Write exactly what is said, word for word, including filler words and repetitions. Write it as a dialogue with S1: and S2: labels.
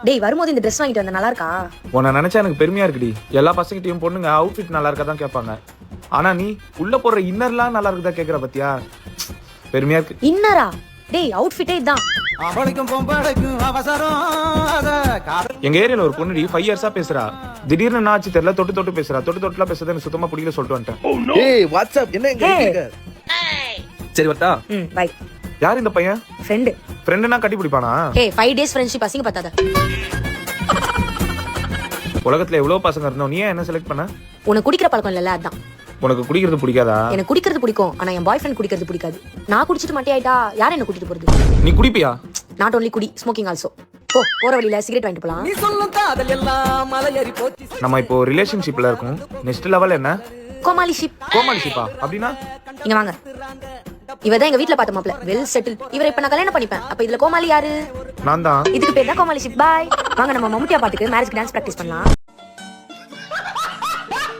S1: டேய் வரும்போது இந்த Dress வாங்கிட்டு வந்த நல்லா இருக்கா?
S2: உன்னை நினைச்சா எனக்கு பெருமையா இருக்குடி. எல்லா பசங்கிட்டையும் பொண்ணுங்க அவுட்ஃபிட் நல்லா இருக்கா தான் கேட்பாங்க. ஆனா நீ உள்ள போடுற இன்னர்லாம் நல்லா இருக்குதா கேக்குற பத்தியா? பெருமையா இருக்கு.
S1: இன்னரா? டேய் அவுட்ஃபிட்டே இதான்.
S2: எங்க ஏரியால ஒரு பொண்ணுடி ஃபைவ் இயர்ஸா பேசுறா. திடீர்னு என்ன ஆச்சு தெரியல, தொட்டு தொட்டு பேசுறா. தொட்டு தொட்டுலாம் பேசுறது எனக்கு சுத்தமா பிடிக்கல சொல்லிட்டு வந்துட்டேன்.
S3: ஏய் வாட்ஸ்அப் என்ன இங்க இருக்க? சரி வரட்டா?
S1: ம் பை.
S2: யார் இந்த பையன்?
S1: ஃப்ரெண்ட்.
S2: ஃப்ரெண்ட்னா கட்டி பிடிப்பானா?
S1: ஏய் ஃபைவ் டேஸ் ஃப்ரெண்ட்ஷிப் அசிங்க பத்தாத.
S2: உலகத்துல எவ்வளவு பசங்க இருந்தோம், நீ ஏன் என்ன செலக்ட் பண்ண?
S1: உனக்கு குடிக்கிற பழக்கம் இல்லல அதான்.
S2: உனக்கு குடிக்கிறது பிடிக்காதா?
S1: எனக்கு குடிக்கிறது பிடிக்கும், ஆனா என் பாய் ஃப்ரெண்ட் குடிக்கிறது பிடிக்காது. நான் குடிச்சிட்டு மட்டே ஆயிட்டா யார் என்ன கூட்டிட்டு போறது?
S2: நீ குடிப்பியா?
S1: நாட் only குடி, ஸ்மோக்கிங் ஆல்சோ. போ போற வழியில சிகரெட் வாங்கிட்டு போலாம்.
S4: நீ சொல்லும் காதல் எல்லாம் மலையேறி போச்சு.
S2: நம்ம இப்போ ரிலேஷன்ஷிப்ல இருக்கோம். நெக்ஸ்ட் லெவல் என்ன?
S1: கோமாளி ஷிப்.
S2: கோமாளி ஷிப்பா? அப்படின்னா
S1: இங்க வாங்க. இவதான் எங்க வீட்ல பார்த்த மாப்ள, வெல் செட்டில். இவரை இப்ப நான் கல்யாணம் பண்ணிப்பேன். அப்ப இதுல கோமாளி யாரு?
S2: நான் தான்.
S1: இதுக்கு பேர் தான் கோமாளி ஷிப். பாய். வாங்க நம்ம மம்முட்டியா பாட்டுக்கு மேரேஜ்க்கு டான்ஸ் பிராக்டீஸ் பண்ணலாம்.